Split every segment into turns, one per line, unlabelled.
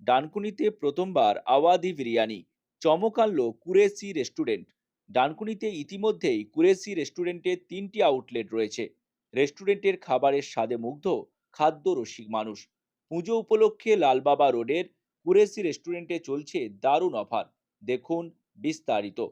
ডানকুনিতে প্রথমবার আওয়াধি বিরিয়ানি চমক আনলো কুরেশি রেস্টুরেন্ট। ডানকুনিতে ইতিমধ্যেই কুরেশি রেস্টুরেন্টের 3টি আউটলেট রয়েছে। রেস্টুরেন্টের খাবারের স্বাদে মুগ্ধ খাদ্য রসিক মানুষ। পুজো উপলক্ষে লালবাবা রোডের কুরেশি রেস্টুরেন্টে চলছে দারুণ অফার। দেখুন বিস্তারিত।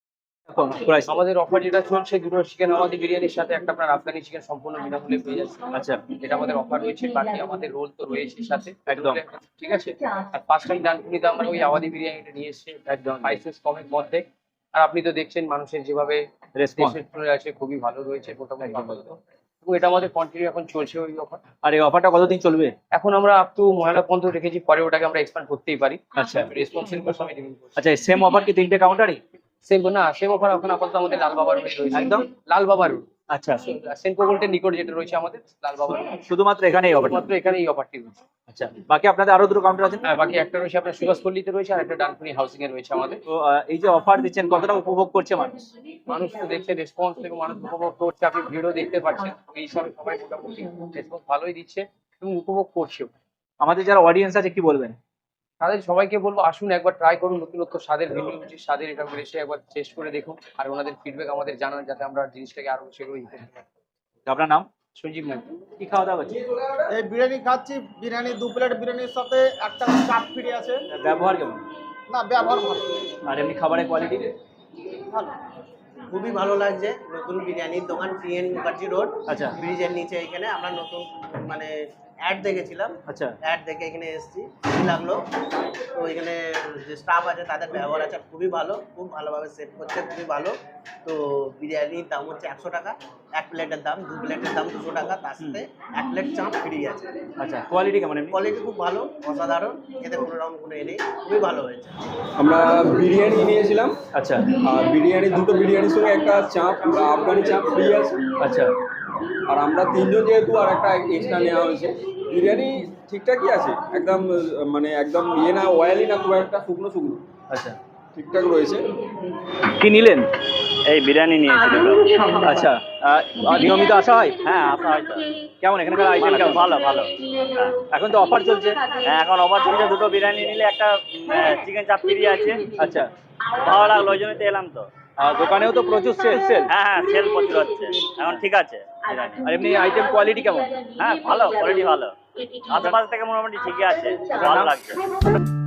আমাদের অফার যেটা চলছে, দুটো চিকেন আওয়াধি বিরিয়ানির সাথে একটা আপনার আফগানি চিকেন সম্পূর্ণ বিনামূল্যে পেয়ে যাচ্ছে।
আচ্ছা,
এটা আমাদের অফার রয়েছে। বাকি আমাদের রোল তো রয়েছে সাথে
একদম।
ঠিক আছে। আর ফার্স্ট টাইম ডানকুনিতে আমরা ওই আওয়াধি বিরিয়ানিটা নিয়ে এসেছি একদম প্রাইসেস কমের মধ্যে। আর আপনি তো দেখছেন মানুষের যেভাবে
রেসপন্স
রেসপন্স আছে খুবই ভালো রয়েছে, মোটামুটি ভালো। এবং এটা আমাদের কন্টিনিউ এখন চলছে ওই অফার।
আর এই অফারটা কতদিন চলবে?
এখন আমরা আপ টু মহিলা পর্যন্ত রেখেছি, পরে ওটাকে আমরা এক্সপ্যান্ড করতেই পারি।
আচ্ছা
রেসপন্সের উপর সময় ডিপেন্ড করছে।
আচ্ছা, সেম অফার কি 3টে কাউন্টারই?
সেম না, সেম অফার এখন আপাতত আমাদের লাল বাবা রোডে রয়েছে।
একদম
লাল বাবা রোড,
আচ্ছা,
সেন্ট্রো গোল্ডের নিকট যেটা রয়েছে আমাদের লাল বাবা রোড।
শুধুমাত্র এখানে এই অফারটা?
মাত্র এখানে এই অফারটি রয়েছে।
আচ্ছা, বাকি আপনাদের আরো দুটো কাউন্টার আছে না?
হ্যাঁ, বাকি একটা রয়েছে আপনার সুভাষপল্লিতে রয়েছে, আর একটা ডানকুনি হাউসিং এ রয়েছে আমাদের।
তো এই যে অফার দিচ্ছেন কতটা উপভোগ করছে মানুষ?
মানুষ তো দেখছে রেসপন্স এবং মানুষ উপভোগ করছে। আপনি ভিডিও দেখতে পাচ্ছেন, এই হিসাবে সবাই মোটামুটি রেসপন্স ভালোই দিচ্ছে এবং উপভোগ করছেও।
আমাদের যারা অডিয়েন্স আছে কি বলবেন?
তাদের সবাইকে বলবো আসুন একবার ট্রাই করুন, নতুনত্ব স্বাদের ভিন্ন স্বাদের এটা এসে একবার টেস্ট করে দেখুন, আর ওনাদের ফিডব্যাক আমাদের জানান যাতে আমরা জিনিসটাকে আরো সেগুলো করতে পারি।
আপনার নাম?
সঞ্জীব নাথ।
কি খাওয়া দাওয়া হচ্ছে?
এই বিরিয়ানি খাচ্ছি, বিরিয়ানি 2 প্লেট বিরিয়ানির সাথে একটা চাপ ফ্রি আছে।
ব্যবহার কেমন?
না, ব্যবহার ভালো।
আর এমনি খাবারের কোয়ালিটি?
ভালো।
খুবই ভালো লাগছে। নতুন বিরিয়ানির দোকান PN মুখার্জি রোড,
আচ্ছা
ব্রিজের নিচে। এখানে আমরা নতুন মানে অ্যাড দেখেছিলাম,
আচ্ছা,
অ্যাড দেখে এখানে এসেছি, ভালো লাগলো। তো এখানে যে স্টাফ আছে তাদের ব্যবহার আছে খুবই ভালো, খুব ভালোভাবে সেট করছে, খুবই ভালো। তো বিরিয়ানির দাম হচ্ছে 100 টাকা, 1 প্লেটের দাম, 2 প্লেটের দাম 200 টাকা, তার সাথে 1 প্লেট চাপ ফ্রি আছে।
আচ্ছা, কোয়ালিটি কেমন এমনি?
কোয়ালিটি খুব ভালো, অসাধারণ, এতে কোনো রকম কোনো নেই, খুবই ভালো হয়েছে।
আমরা বিরিয়ানি নিয়েছিলাম।
আচ্ছা
আর বিরিয়ানি, দুটো বিরিয়ানির সঙ্গে একটা চাপ, আফগানি চাপ ফ্রি আছে।
আচ্ছা,
আর আমরা 3জন যেহেতু আর একটা এক্সট্রা নেওয়া হয়েছে। বিরিয়ানি ঠিকঠাকই আছে, একদম মানে একদম ইয়ে না, অয়েলি না, খুব একটা শুকনো শুকনো,
আচ্ছা।
ঠিকঠাক রয়েছে।
কি নিলেন?
এই বিরিয়ানি নিয়েছিলাম।
আচ্ছা, নিয়মিত আসা হয়?
হ্যাঁ, আসা হয় তো।
কেমন এখানকার আইটেম কেমন?
ভালো ভালো।
এখন তো অফার চলছে।
হ্যাঁ, এখন অফার চলছে, দুটো বিরিয়ানি নিলে একটা চিকেন চাপ ফ্রি আছে।
আচ্ছা,
ভালো লাগলো, ওই জন্যই তো এলাম তো।
আর দোকানেও তো প্রচুর সেল।
হ্যাঁ হ্যাঁ, সেল প্রচুর হচ্ছে এখন, ঠিক আছে বিরিয়ানি।
আর এমনি আইটেম কোয়ালিটি কেমন?
হ্যাঁ ভালো, কোয়ালিটি ভালো, আশেপাশ থেকে মোটামুটি ঠিকই আছে, ভালো লাগছে।